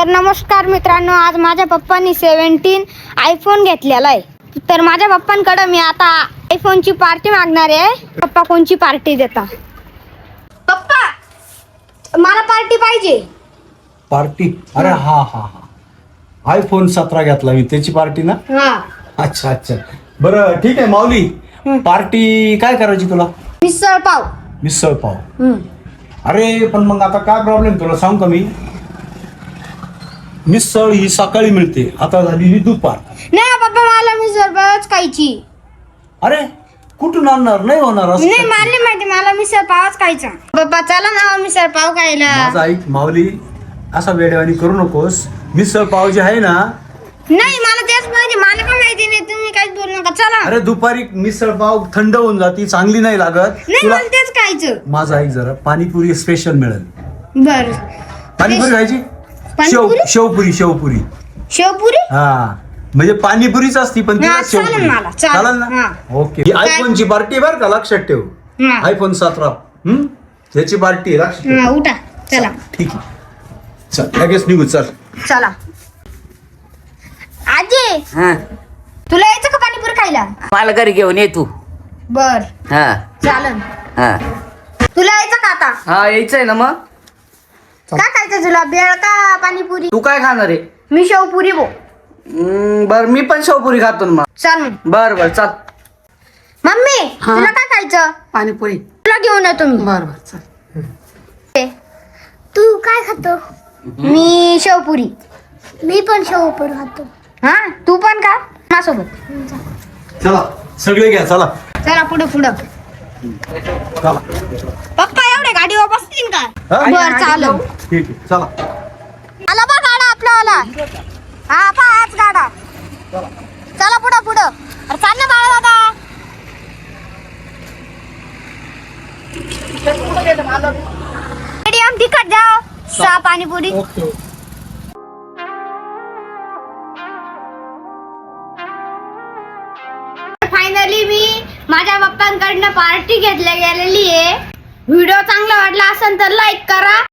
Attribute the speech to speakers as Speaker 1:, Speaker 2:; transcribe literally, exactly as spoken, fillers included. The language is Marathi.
Speaker 1: तर नमस्कार मित्रांनो, आज माझ्या पप्पांनी सेव्हन्टीन आयफोन घेतलेला आहे. तर माझ्या पप्पांकडे मी आता आयफोनची पार्टी मागणार आहे. पप्पा कोणची पार्टी देता? पप्पा मला पार्टी पाहिजे.
Speaker 2: पार्टी? अरे हा हा हा आयफोन सतरा घेतला मी, त्याची पार्टी ना?
Speaker 1: हा.
Speaker 2: अच्छा अच्छा, बरं ठीक आहे माऊली. पार्टी काय करायची तुला?
Speaker 1: मिसळ पाव.
Speaker 2: मिसळ पाव? अरे पण मग आता काय प्रॉब्लेम तुला सांग का मी, मिसळ ही सकाळी मिळते, आता झाली ही दुपार.
Speaker 1: नाही पप्पा, मला मिसळ पावच खायची.
Speaker 2: अरे कुठून आणणार? नाही होणार असं.
Speaker 1: नाही मला नाही माहिती, मला मिसळ पावच खायचा. पप्पा चला ना मिसळ पाव खायला.
Speaker 2: माझं ऐक माऊली, असा वेडेवाणी करू नकोस. मिसळ पाव जे आहे ना,
Speaker 1: नाही मला तेच माहिती, मला काय माहिती नाही, तुम्ही काहीच बोलू नका. चला.
Speaker 2: अरे दुपारी मिसळ पाव थंड होऊन जाती, चांगली नाही लागत
Speaker 1: नाही
Speaker 2: तुला.
Speaker 1: मला तेच खायचं.
Speaker 2: माझं ऐक जरा, पाणीपुरी स्पेशल मिळेल.
Speaker 1: बर.
Speaker 2: पाणीपुरी खायची? शेव
Speaker 1: पाणीपुरी?
Speaker 2: शेवपुरी शेवपुरी
Speaker 1: शेवपुरी?
Speaker 2: हा, म्हणजे पाणीपुरीच असती पण तिला
Speaker 1: हा, चालेल
Speaker 2: शेवपुरी
Speaker 1: मला, चालेल.
Speaker 2: चालेल ना?
Speaker 1: हा.
Speaker 2: ओके. ही आयफोनची पार्टी बर का, लक्षात ठेव.
Speaker 1: हा.
Speaker 2: आयफोन सतरा हम्म त्याची पार्टी आहे, लक्षात ठेव.
Speaker 1: हा, उठा चला.
Speaker 2: ठीक आहे, चल लगेच निघू, चल.
Speaker 1: चला. आजी
Speaker 3: हा,
Speaker 1: तुला यायचं का पाणीपुरी खायला?
Speaker 3: मला घरी घेऊन ये तू.
Speaker 1: बर
Speaker 3: हा
Speaker 1: चालन.
Speaker 3: हा
Speaker 1: तुला यायचं का आता?
Speaker 3: हा यायचंय ना मग.
Speaker 1: काय खायचं तुला, बेळ का पाणीपुरी?
Speaker 3: तू काय खाणार आहे?
Speaker 1: मी शेवपुरी बो.
Speaker 3: हम्म, बर मी पण शेवपुरी खातो ना मग.
Speaker 1: चल मग.
Speaker 3: बर बर चल.
Speaker 1: मम्मी
Speaker 4: हा.
Speaker 1: तुला काय खायचं?
Speaker 4: पाणीपुरी.
Speaker 1: तुला घेऊन येतो मी.
Speaker 4: बर बर चल.
Speaker 1: तू काय खातो? मी शेवपुरी. मी पण शेवपुरी खातो. हा तू पण का माझ्यासोबत?
Speaker 2: चला सगळे घ्या, चला
Speaker 1: चला पुढं पुढं.
Speaker 2: चला.
Speaker 1: पप्पा एवढे गाडीवर बसतील का?
Speaker 2: हा?
Speaker 1: बर चालेल.
Speaker 2: ठीक आहे, चला.
Speaker 1: आला बा गाडा आपला आला. हा पा हाच गाडा. चला पुढं पुढं. अरे चाल ना बाळा दादा. मीडियम तिखट जाओ, सहा पाणीपुरी.
Speaker 2: ओके.
Speaker 1: फायनली मी माझ्या पप्पांकडनं पार्टी घेतल्या गेलेली आहे. व्हिडिओ चांगला वाटला असेल तर लाईक करा.